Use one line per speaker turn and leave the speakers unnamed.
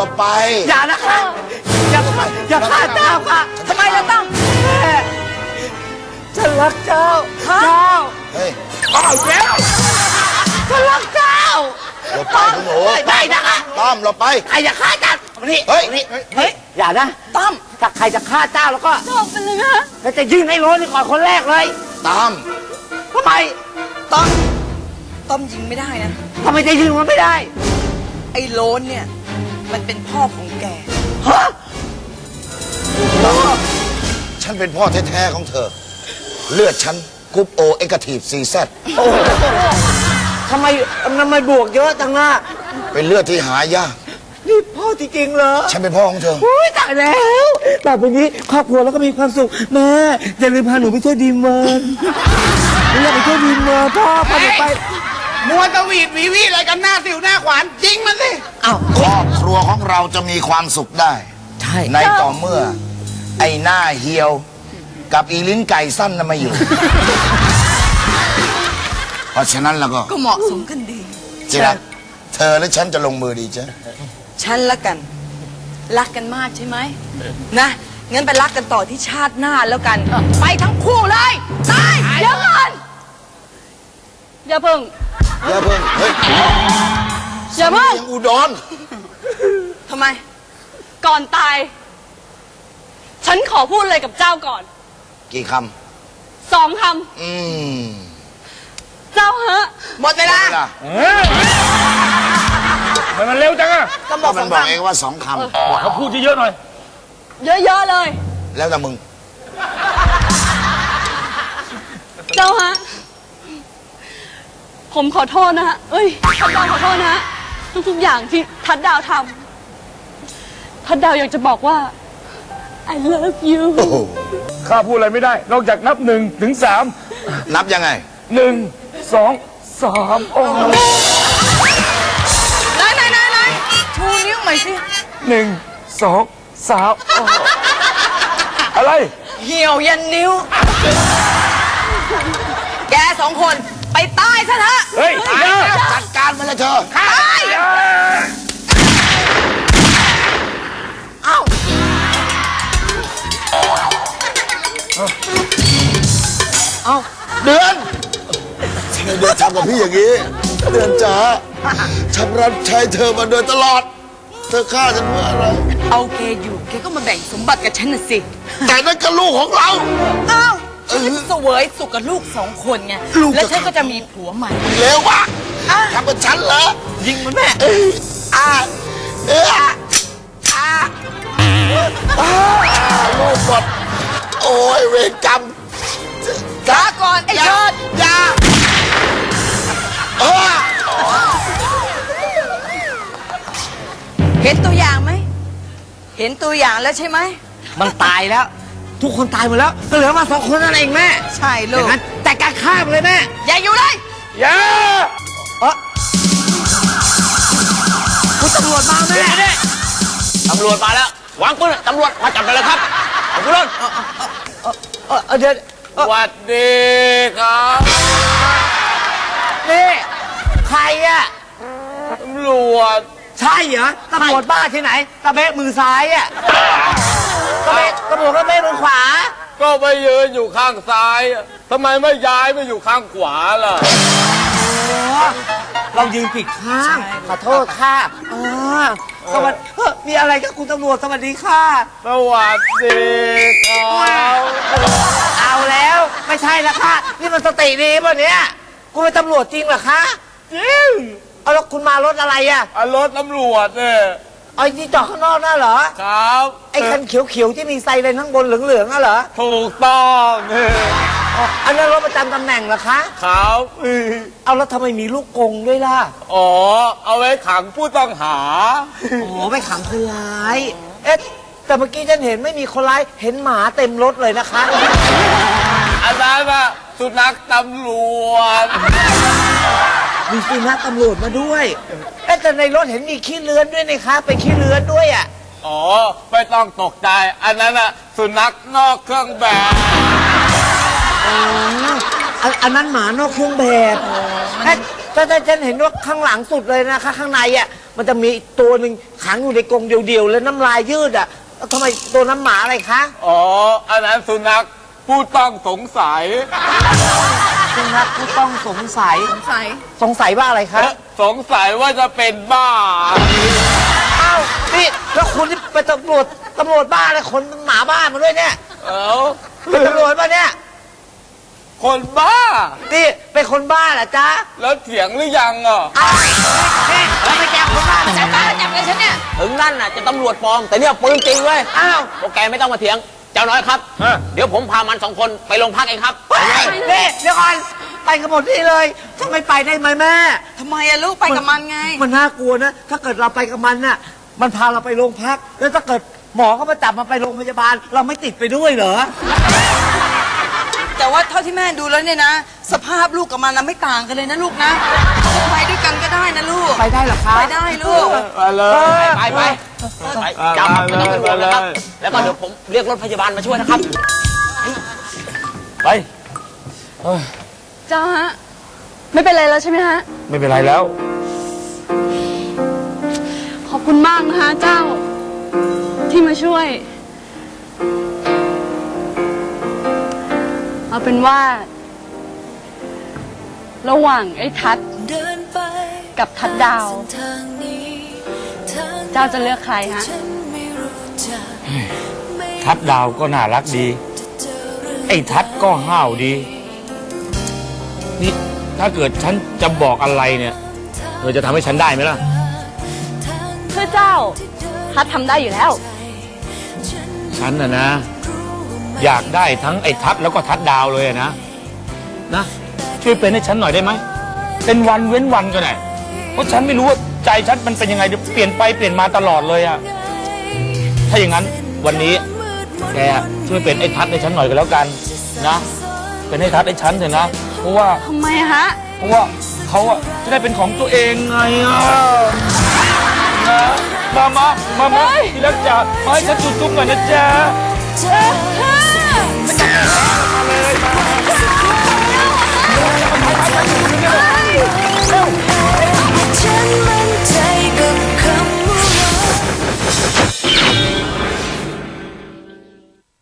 บไป
อย่านะคะอย่าฆ่าเจ้าค่ะทำไมเราต้องแม่ฉันรักเจ้า
เฮ้ย
เอาแล้วฉันรักเจ้า
หลบไปคุณหนู
ไม่นะคะ
ต้อมหลบไป
ใครจะฆ่าเจ้านี่
เฮ้ย
เฮ้ยอย่านะต้อมถ้าใครจะฆ่าเจ้าแล้วก็จบไปเลยนะแล้วจะยิงให้โรสก่อนคนแรกเลย
ต้อม
ทำไม
ต้อมยิงไม่ได้นะ
ทำไมจะยิงมันไม่ได้
ไอ้โลนเนี่ยมันเป็นพ่อของแก
ฮะ
ฉันเป็นพ่อแท้ๆของเธอเลือดฉันกรุ๊ปโอเอ็กทีฟซีแซด
ทำไมบวกเยอะจังล่ะ
เป็นเลือดที่หายาก
นี่พ่อจริงๆเหรอ
ฉันเป็นพ่อของเธอ
ตายแล้วต่อไปนี้ครอบครัวแล้วก็มีความสุขแม่อย่าลืมพาหนูไปเที่ยวดีเมิร์นอยากไปเที่ยวดีเมิร์นพ่อพาหนูไป
มัวตะวีดวีวีอะไรกันหน้าสิวหน้าขวานจริงมันสิ
อ้าวครอบครัวของเราจะมีความสุขได้
ใช่
ในต่อเมื่อไอ้หน้าเหี่ยวกับอีลิ้นไก่สั้นน่ะมาอยู่เพราะฉะนั้นแล้ว
ก็เหมาะสมกันดี
จิรักเธอและฉันจะลงมือดีจ้ะ
ฉันละกันรักกันมากใช่ไหมนะงั้นไปรักกันต่อที่ชาติหน้าแล้วกันไปทั้งคู่เลยตายเดี๋ยวก่อนอย่าเพิ่ง
เฮ้ย
อย่าเพิ่ง
ยังอุดร
ทำไม
ก่อนตายฉันขอพูดอะไรกับเจ้าก่อน
กี่ค
ำ2 คำเจ้าฮะ
หมดเวลา
มันเร็วจังอะ
ก็บอก
มันบอกเองว่า2 คำ
เขาพูดเยอะๆหน่อย
เยอะๆเลย
แล้วแต่มึง
เจ้าฮะผมขอโทษนะฮะเอ้ยทัดดาวขอโทษนะฮะทุกๆอย่างที่ทัดดาวทำทัดดาวอยากจะบอกว่า I love you
ข้าพูดอะไรไม่ได้นอกจากนับ1 ถึง 3
นับยังไง
1 2 3โอ้
ไหนชูนิ้วใหม่สิ
1 2 3อะไร
เหี่ยวยันนิ้วแก2 คนไปตายซะเถอะ
เฮ้ย
จัดการมันเลยเธอ
ตาย
เอ้าเดือนทำกับพี่อย่างนี้เดือนจ๋าฉันรับใช้เธอมาโดยตลอดเธอฆ่าฉันเพื่ออะไร
เอาแกอยู่แกก็มาแบ่งสมบัติกับฉันน่ะสิ
แต่นั่นก็ลูกของเรา
อ้าวฉันจะเสวยสุขกับลูก2 คนไงแล้วฉันก็จะมีผัวใหม่
เร็ววะทำกับฉันเหรอ
ยิงมันแม่
ลูกหมดโอ้ยเวรกรรม
ลาก่อนไอ้ยอด
อย่า
เห็นตัวอย่างไหมเห็นตัวอย่างแล้วใช่ไหม
มันตายแล้วทุกคนตายหมดแล้วก็เหลือมา2 คนนั่นเองแม่
ใช่ลูก
แต่การฆ่ามันเลยแม่
อย่าอยู่เลย
อย่า
คุณตำรวจมาแม่
ตำรวจมาแล้ววางปืนตำรวจมาจับไปเลยครับคุณรถ
เดี๋ยว
สวัสดีครับ
นี่ใครอะ
ตำรวจ
ใช่เหรอตำรวจบ้าที่ไหนตะเบะมือซ้ายอะตำรวจก็เบะมือขวา
ก็ไปยืนอยู่ข้างซ้ายทำไมไม่ย้ายไปอยู่ข้างขวาล่ะ
เรายืนผิดข้างขอโทษค่ะสวัสดีมีอะไรกับคุณตำรวจสวัสดีค่ะ
สวัสดีครับ
เอาแล้วไม่ใช่ละค่ะนี่มันสติดีป่ะเนี่ยคุณเป็นตำรวจจริงเหรอคะ
จริง
เอาแล้วคุณมารถอะไรอะ
รถตำรวจเนี่ย
ไอ้ที่จอดข้างนอกน่ะเหรอ
ครับ
ไอ้คันเขียวๆที่มีไซเรนข้างบนเหลืองๆน่ะเหรอ
ถูกต้อง
อันนั้นรถประจำตำแหน่งเหรอคะ
ครับ
เอาแล้วทำไมมีลูกกรงด้วยล่ะ
เอาไว้ขังผู้ต้องหา
ไปขังคนร้ายแต่เมื่อกี้ฉันเห็นไม่มีคนร้ายเห็นหมาเต็มรถเลยนะคะ
อาจารย์ว่าสุนัขตำรวจ
มีสุนัขตำรวจมาด้วยแต่ในรถเห็นมีขี้เลื้อนด้วยนะคะไปขี้เลื้อนด้วยอ่ะ
ไม่ต้องตกใจอันนั้นสุนัขนอกเครื่องแบบ
อันนั้นหมานอกเครื่องแบบแต่ฉันเห็นว่าข้างหลังสุดเลยนะคะข้างในอ่ะมันจะมีอีกตัวหนึ่งขังอยู่ในกรงเดียวๆแล้วน้ำลายยืดอ่ะทำไมตัวน้ำหมาอะไรคะ
อ๋อ อันนั้นสุนัขผู้ต้องสงสัย
สุนัขผู้ต้องสงสัย
สงสัย
สงสัยว่าอะไรคะ
สงสัยว่าจะเป็นบ้า
อ้าวนี่แล้วคุณที่เป็นตำรวจบ้าเลยคนหมาบ้ามาด้วยเนี่ย
เอ้า
เป็นตำรวจป่ะเนี่ย
คนบ้า
นี่เป็นคนบ้าเหรอจ๊ะ
แล้วเถียงหรือยังอ่ะ
อ้าวนี่เราไปแจ้งคนบ้ามา
จับบ้าจับเลยฉันเนี่ย
ถึงนั่นน่ะจะตำรวจปลอม แต่เนี่ยปืนจริงเว้ย
อ้าว
พวกแกไม่ต้องมาเถียง เจ้าน้อยครับ เดี๋ยวผมพามัน2 คนไปโรงพักเองครับ
เฮ้ยนี่เดี๋ยวก่อนไปกันหมดนี่เลยจะไม่ไปได้ไหมแม่
ทำไมอะลูกไปกับมันไง
มันน่ากลัวนะ ถ้าเกิดเราไปกับมันน่ะมันพาเราไปโรงพัก แล้วถ้าเกิดหมอเขามาจับมาไปโรงพยาบาล เราไม่ติดไปด้วยเหรอ
แต่ว่าเท่าที่แม่ดูแล้วเนี่ยนะ สภาพลูกกับมันนะไม่ต่างกันเลยนะลูกนะจะไปด้วยกันก็ได้นะลูก
ไปได้เหรอคะ
ไปได้ลูก
ไปเลย
ไปจับมันไม่ต้องเป็นห่วงนะครับ แล้วก็เดี๋ยวผมเรียกรถพยาบาลมาช่วยนะครับ
ไป
เจ้าฮะ ไม่เป็นไรแล้วใช่ไหมฮะ
ไม่เป็นไรแล้ว
ขอบคุณมากนะคะเจ้า ที่มาช่วย เอาเป็นว่า ระหว่างไอ้ทัดกับทัดดาว เจ้าจะเลือกใครฮะ
ทัดดาวก็น่ารักดี ไอ้ทัดก็ห้าวดี นี่ถ้าเกิดฉันจะบอกอะไรเนี่ยเธอจะทำให้ฉันได้ไหมล่ะ
เพื่อเจ้า ทัดทำได้อยู่แล้ว
ฉันนะ อยากได้ทั้งไอ้ทัดแล้วก็ทัดดาวเลยนะช่วยเป็นให้ฉันหน่อยได้ไหมเป็นวันเว้นวันก็ได้เพราะฉันไม่รู้ว่าใจฉันมันเป็นยังไงเดี๋ยวเปลี่ยนไปเปลี่ยนมาตลอดเลยอะถ้าอย่างนั้นวันนี้แกช่วยเป็นไอ้ทัดให้ฉันหน่อยก็แล้วกันนะเป็นไอ้ทัดให้ฉันเถอะนะเพราะว่า
ทำไมฮะ
เพราะว่าเขาอะจะได้เป็นของตัวเองไงอะนะมาที่รักจ๋ามาให้ฉันจุ๊บๆหน่อยนะจ๊ะ
เออ